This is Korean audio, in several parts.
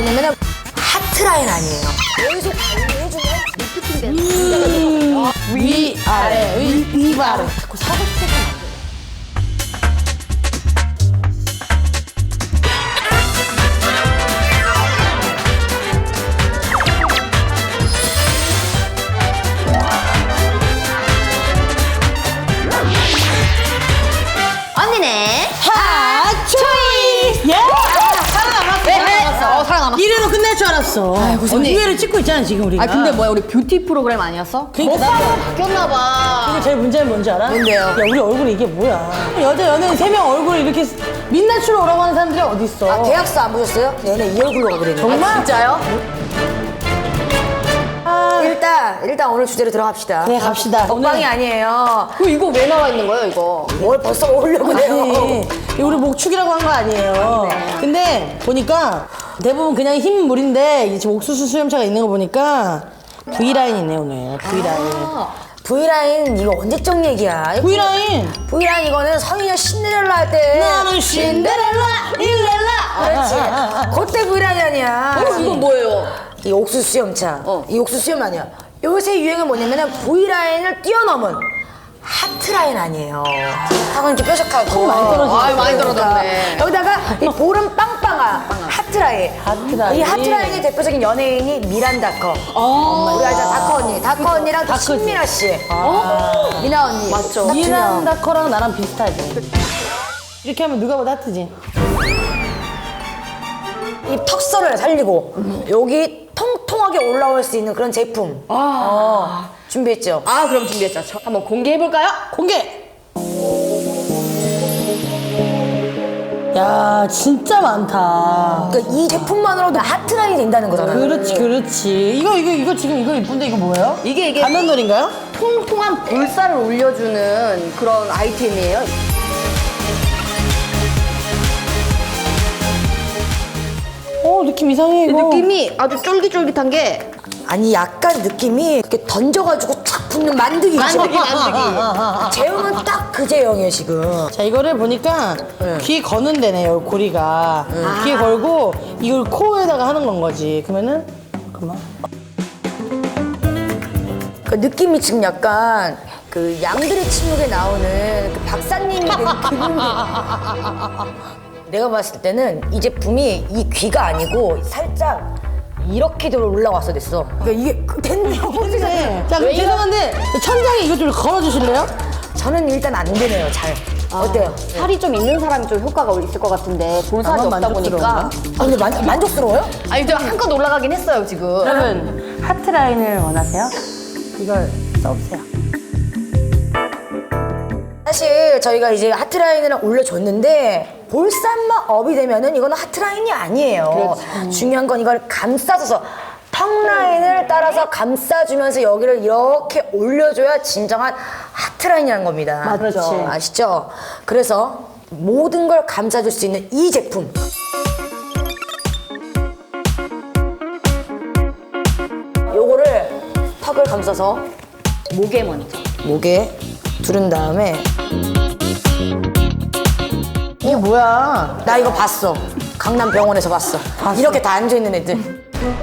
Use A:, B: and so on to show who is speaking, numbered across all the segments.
A: 뭐냐면은 하트라인 아니에요. 여기서 관리해주면 리프팅된
B: 위아래 위아래
A: 자꾸 사각색이 나.
C: 언니네
B: 하초이! 예! 살아남았어.
C: 살아남았어.
B: 이래로 끝낼 줄 알았어.
C: 언니.
B: 기회를 찍고 있잖아 지금 우리가.
C: 아 근데 뭐야 우리 뷰티 프로그램 아니었어?
B: 그러니까
C: 오빠가 바뀌었나봐.
B: 이게 제일 문제는 뭔지 알아?
C: 뭔데요?
B: 야 우리 얼굴이 이게 뭐야? 여자 연예인 3명 얼굴 이렇게 민낯으로 오라고 하는 사람들이 어딨어?
A: 아, 계약서 안 보셨어요? 얘네 이 얼굴로 가버리네.
B: 정말?
C: 진짜요?
A: 일단 오늘 주제로 들어갑시다.
B: 네 갑시다.
A: 먹방이 아니에요.
C: 그럼 이거 왜 나와 있는 거예요 이거?
A: 뭘 벌써 먹으려고 그래요.
B: 아니, 이거 우리 목축이라고 한 거 아니에요. 근데 보니까 대부분 그냥 흰 물인데 이제 지금 옥수수 수염차가 있는 거 보니까 V라인이네 오늘. V라인.
A: V라인 이거 언제적 얘기야?
B: V라인.
A: V라인 이거는 성인여 신데렐라 할 때.
B: 나는 신데렐라
A: 그렇지. 그때 V라인 아니야.
C: 이건 뭐예요?
A: 이 옥수수 수염차. 이 옥수수 수염 아니야. 요새 유행은 뭐냐면은 V라인을 뛰어넘은 하트라인 아니에요. 하고 이렇게 뾰족하고
B: 많이 떨어지네.
C: 아유, 많이 떨어졌네.
A: 여기다가 이 볼은 빵빵한 하트라인.
B: 하트라인.
A: 이 하트라인의 대표적인 연예인이 미란다커. 우리 알잖아 다커 언니. 다커 언니랑 또
B: 다커지.
A: 신미라 씨. 미나 언니. 맞죠.
B: 미란다커랑 나랑 비슷하지. 이렇게 하면 누가 봐도 하트지.
A: 이 턱선을 살리고 여기 통통하게 올라올 수 있는 그런 제품. 준비했죠.
C: 아 그럼 준비했죠. 한번 공개해볼까요?
B: 공개! 야 진짜 많다.
A: 그러니까 이 제품만으로도 하트라인이 된다는 거잖아.
B: 그렇지 그렇지. 이거 지금 이거 이쁜데 이거 뭐예요?
C: 이게
B: 가면놀인가요?
C: 통통한 볼살을 올려주는 그런 아이템이에요.
B: 느낌 이상해 이거.
C: 느낌이 아주 쫄깃쫄깃한 게
A: 아니 약간 느낌이 이렇게 던져가지고 촥 붙는 만드기.
C: 만드기.
A: 제형은 딱 그 제형이에요 지금.
B: 자 이거를 보니까 귀에 거는 데네요 고리가. 귀에 걸고 이걸 코에다가 하는 건 거지. 그러면은 잠깐만.
A: 그 느낌이 지금 약간 그 양들의 침묵에 나오는 그 박사님이 된 기분이. 내가 봤을 때는 이 제품이 이 귀가 아니고 살짝 이렇게 올라왔어 됐어. 그러니까 이게 됐네.
B: 자 그럼 죄송한데 천장에 이거 좀 걸어주실래요?
A: 저는 일단 안 되네요 잘. 어때요?
C: 살이 좀 있는 사람이 좀 효과가 있을 것 같은데 볼살이
B: 나만
C: 없다 보니까
B: 만족스러운가?
A: 근데 만족스러워요?
C: 아니 좀 한껏 올라가긴 했어요 지금.
B: 여러분 하트 라인을 원하세요? 이걸 써보세요.
A: 사실 저희가 이제 하트라인을 올려줬는데 볼살만 업이 되면은 이거는 하트라인이 아니에요. 중요한 건 이걸 감싸줘서 턱 라인을 따라서 감싸주면서 여기를 이렇게 올려줘야 진정한 하트라인이라는 겁니다.
B: 맞죠.
A: 아시죠? 그래서 모든 걸 감싸줄 수 있는 이 제품. 요거를 턱을 감싸서
C: 목에 먼저.
A: 목에 두른 다음에
B: 이게 뭐야?
A: 나 이거 봤어. 강남병원에서 봤어. 이렇게 다 앉아있는 애들.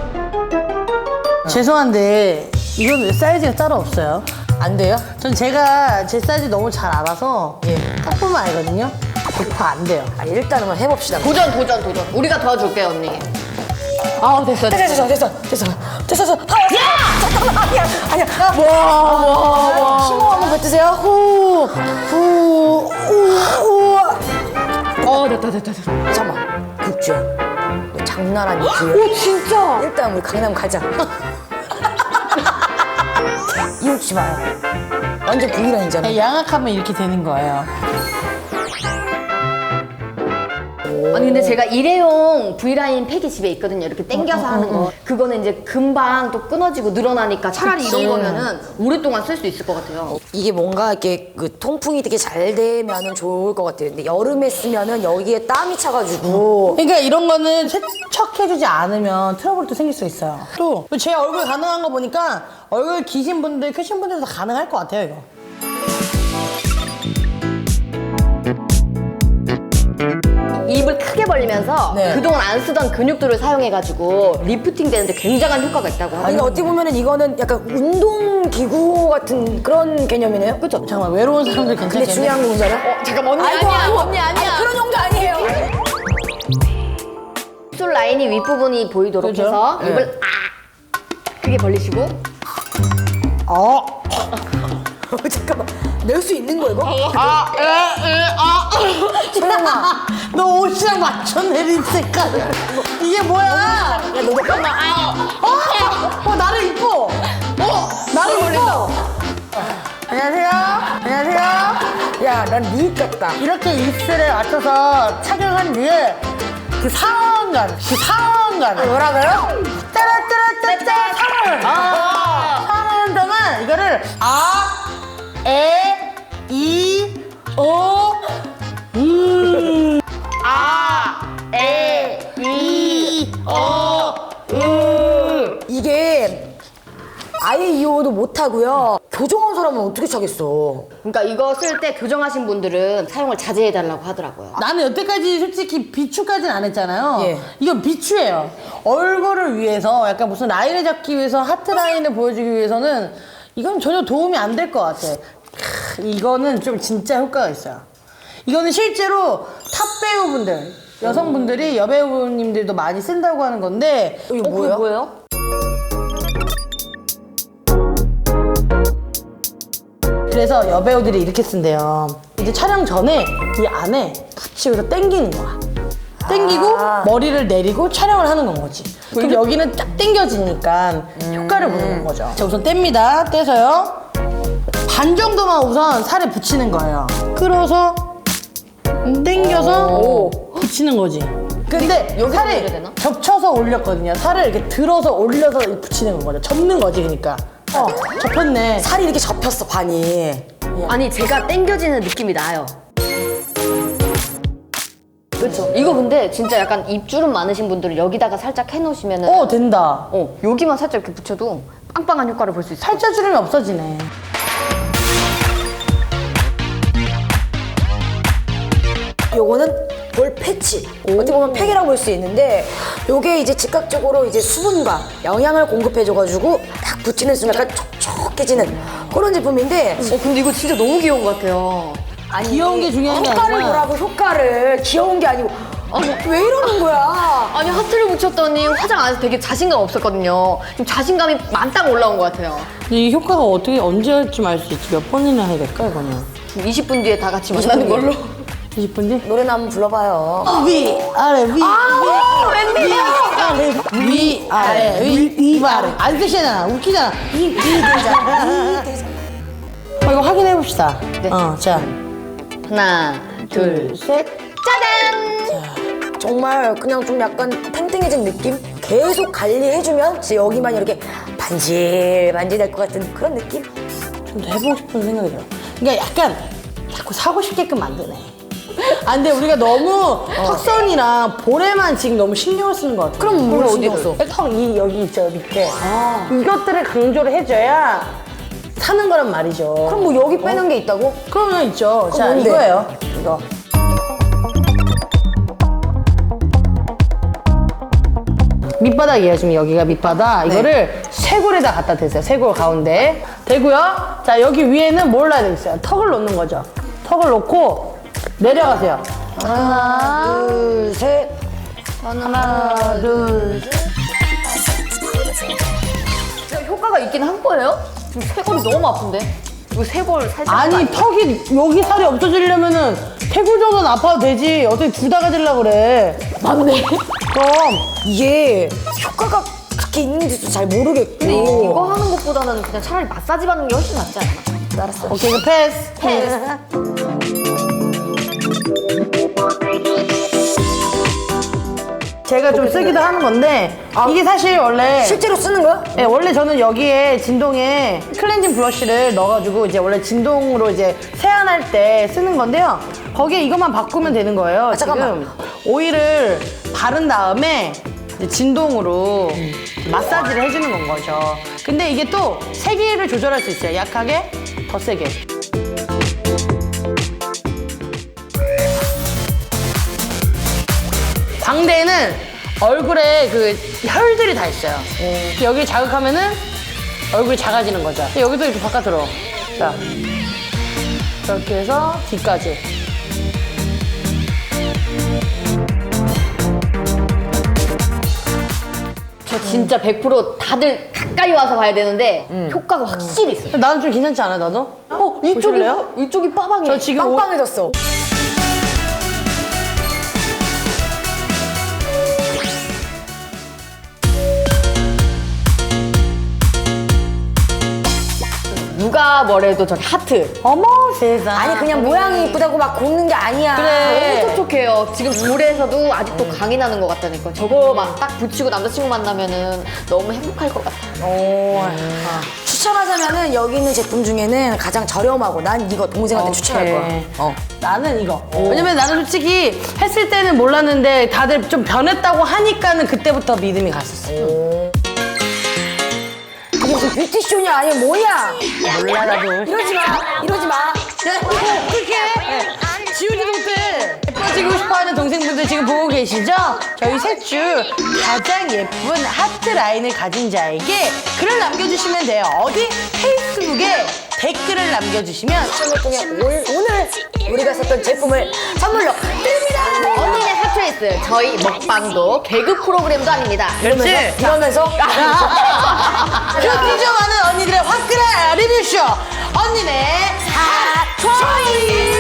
B: 죄송한데 이건 왜 사이즈가 따로 없어요?
A: 안 돼요?
B: 전 제가 제 사이즈 너무 잘 알아서 딱 보면 알거든요. 100% 안 돼요.
A: 아, 일단 한번 해봅시다.
C: 도전. 우리가 도와줄게요 언니. 아 됐어.
A: 됐어. 잠깐만. 아니야. 힘을 한번 뱉으세요. 후.
C: 됐다.
A: 잠깐만. 국주야. 너 장난 아니야.
C: 오 진짜.
A: 일단 우리 강남 가자. 이웃지 마요. 완전 V라인이잖아.
B: 양악하면 이렇게 되는 거예요.
C: 아니 근데 제가 일회용 V라인 팩이 집에 있거든요. 이렇게 당겨서 하는 거. 그거는 이제 금방 또 끊어지고 늘어나니까 차라리
B: 그치.
C: 이런 거면은 오랫동안 쓸 수 있을 것 같아요.
A: 이게 뭔가 이렇게 그 통풍이 되게 잘 되면은 좋을 것 같아요. 근데 여름에 쓰면은 여기에 땀이 차가지고.
B: 그러니까 이런 거는 세척해주지 않으면 트러블도 생길 수 있어요. 또 제 얼굴 가능한 거 보니까 얼굴 기신 분들, 크신 분들도 가능할 것 같아요 이거.
C: 이 입을 크게 벌리면서
A: 네.
C: 그동안 안 쓰던 근육들을 사용해가지고 리프팅 되는데 굉장한 효과가 있다고
A: 아니
C: 하더라고요.
A: 어떻게 보면은 이거는 약간 운동기구 같은 그런 개념이네요.
C: 그쵸?
B: 잠깐만 외로운 사람들
A: 근데
B: 괜찮겠네.
A: 중요한 건 뭔지 알아?
C: 잠깐 언니
A: 아이고,
C: 아니야
A: 아이고.
C: 언니 아니야.
A: 아니, 그런 정도 아니에요.
C: 입술 라인이 윗부분이 보이도록
B: 그죠?
C: 해서
A: 네.
C: 입을 크게 벌리시고
A: 잠깐만. 낼 수 있는 거 이거?
B: 소영아, 너 옷이랑 맞춰 내린 색깔. 이게 뭐야? 야, 너 잠깐만. 나를 이뻐. 나를 이뻐. 안녕하세요. 안녕하세요.
A: 야, 난 리익 같다.
B: 이렇게 입술에 맞춰서 착용한 뒤에 그 상어감.
A: 뭐라고요?
B: 짜라짜라짜짜 상어를. 상어는 동안 이거를
A: 이게 아예 이호도 못하고요. 교정한 사람은 어떻게 차겠어?
C: 그러니까 이거 쓸 때 교정하신 분들은 사용을 자제해달라고 하더라고요.
B: 나는 여태까지 솔직히 비추까지는 안 했잖아요.
A: 예.
B: 이건 비추예요. 얼굴을 위해서 약간 무슨 라인을 잡기 위해서 하트 라인을 보여주기 위해서는 이건 전혀 도움이 안 될 것 같아. 이거는 좀 진짜 효과가 있어요. 이거는 실제로 탑 배우분들, 여성분들이 여배우님들도 많이 쓴다고 하는 건데
A: 이거 뭐예요?
C: 뭐예요?
B: 그래서 여배우들이 이렇게 쓴대요. 이제 촬영 전에 이 안에 붙이고서 당기는 거야. 당기고 머리를 내리고 촬영을 하는 건 거지. 그럼 여기는 딱 당겨지니까 효과를 보는 거죠. 자, 우선 뗍니다. 떼서요. 반 정도만 우선 살에 붙이는 거예요. 끌어서 당겨서 붙이는 거지. 근데
C: 여기다
B: 살이
C: 올려야 되나?
B: 겹쳐서 올렸거든요. 살을 이렇게 들어서 올려서 붙이는 거죠. 접는 거지, 그러니까. 접혔네.
A: 살이 이렇게 접혔어, 반이.
C: 아니 제가 당겨지는 느낌이 나요. 그렇죠. 이거 근데 진짜 약간 입주름 많으신 분들은 여기다가 살짝 해놓으시면은
B: 된다.
C: 여기만 살짝 이렇게 붙여도 빵빵한 효과를 볼 수 있어요.
B: 살쪄주름이 없어지네.
A: 요거는 볼 패치. 어떻게 보면 팩이라고 볼 수 있는데 요게 이제 즉각적으로 이제 수분과 영양을 공급해줘가지고 딱 붙이는 순간 약간 촉촉해지는 그런 제품인데
C: 근데 이거 진짜 너무 귀여운 것 같아요.
A: 아니,
B: 귀여운 게 중요한 게
A: 효과를
B: 아니라
A: 보라고 효과를 귀여운 게 아니고 왜 이러는 거야?
C: 아니 하트를 붙였더니 화장 안 해서 되게 자신감 없었거든요. 지금 자신감이 만땅 올라온 것 같아요.
B: 근데 이 효과가 어떻게 언제 할지 알 수 있지? 몇 번이나 해야 될까 이거는?
C: 20분 뒤에 다 같이 만나는 걸로.
B: 20분 뒤?
A: 노래나 한번 불러봐요.
B: 위 아래 위
C: 웬일이야?
B: 위 아래 위 아래 안 쓰시잖아. 웃기잖아. 위 대자. 이거 확인해 봅시다.
C: 네.
B: 자
C: 하나, 둘,
B: 셋.
C: 짜잔!
A: 정말 그냥 좀 약간 탱탱해진 느낌? 계속 관리해주면 진짜 여기만 이렇게 반질반질 될 것 같은 그런 느낌?
B: 좀 더 해보고 싶은 생각이 들어. 그러니까 약간 자꾸 사고 싶게끔 만드네. 근데 우리가 너무 턱선이랑 볼에만 지금 너무 신경을 쓰는 것 같아.
A: 그럼 뭘 신경 써?
B: 턱이 여기 있죠, 밑에. 이것들을 강조를 해줘야 사는 거란 말이죠.
A: 그럼 뭐 여기 빼는 게 있다고?
B: 그러면 있죠. 자,
A: 뭔데?
B: 이거예요. 이거. 밑바닥이에요. 지금 여기가 밑바닥. 이거를 쇄골에다 갖다 대세요. 쇄골 가운데. 대고요. 자, 여기 위에는 뭘 놔야 되겠어요? 턱을 놓는 거죠. 턱을 놓고 내려가세요.
A: 하나, 둘, 셋.
B: 하나, 둘, 셋.
C: 진짜 효과가 있긴 한 거예요? 지금 쇄골이 너무 아픈데? 이거 쇄골 살짝.
B: 아니, 턱이 여기 살이 없어지려면은 쇄골 정도는 아파도 되지. 어떻게 둘 다 가지려고 그래.
A: 맞네.
B: 그럼.
A: 이게 효과가 그렇게 있는지도 잘 모르겠고.
C: 근데 이거 하는 것보다는 그냥 차라리 마사지 받는 게 훨씬 낫지 않나?
A: 알았어.
B: 오케이, 이거 패스.
C: 패스.
B: 제가 좀 쓰기도 하는 건데 이게 사실 원래
A: 실제로 쓰는 거야?
B: 네, 원래 저는 여기에 진동에 클렌징 브러쉬를 넣어가지고 이제 원래 진동으로 이제 세안할 때 쓰는 건데요. 거기에 이것만 바꾸면 되는 거예요.
A: 잠깐만.
B: 지금 오일을 바른 다음에 이제 진동으로 마사지를 해주는 건 거죠. 근데 이게 또 세기를 조절할 수 있어요. 약하게, 더 세게. 광대에는 얼굴에 그 혈들이 다 있어요. 여기 자극하면은 얼굴이 작아지는 거죠. 여기도 이렇게 바깥으로. 자, 이렇게 해서 뒤까지.
C: 저 진짜 100% 다들 가까이 와서 봐야 되는데 효과가 확실히 있어요.
B: 나는 좀 괜찮지 않아, 나도? 보실래요?
C: 이쪽이 빠방해.
B: 저 지금
A: 빵빵해졌어.
C: 누가 뭐래도 저기 하트.
B: 어머 세상.
A: 아니 그냥 모양이 이쁘다고 막 곱는 게 아니야.
B: 그래.
C: 너무 촉촉해요. 지금 볼에서도 아직도 강이 나는 것 같다니까. 저거 막 딱 붙이고 남자친구 만나면은 너무 행복할 것 같아요.
A: 추천하자면은 여기 있는 제품 중에는 가장 저렴하고 난 이거 동생한테 추천할 거야.
B: 나는 이거. 왜냐면 나는 솔직히 했을 때는 몰랐는데 다들 좀 변했다고 하니까는 그때부터 믿음이 갔었어.
A: 이게 무슨 뷰티쇼냐 아니면 뭐냐?
B: 몰라 나도.
A: 이러지 마. 이러지 마.
B: 어떻게? 지우지도 못해. 예뻐지고 싶어하는 동생분들 지금 보고 계시죠? 저희 셋 중 가장 예쁜 하트 라인을 가진 자에게 글을 남겨주시면 돼요. 어디? 페이스북에 댓글을 남겨주시면
A: 추첨을 통해 오늘 우리가 썼던 제품을 선물로 드립니다.
C: 언니네 하트레이스. 저희 먹방도 개그 프로그램도 아닙니다.
B: 그렇지?
A: 이러면서
B: 그렇게 좀 많은 언니들의 화끈한 리뷰쇼 언니네 핫초이스.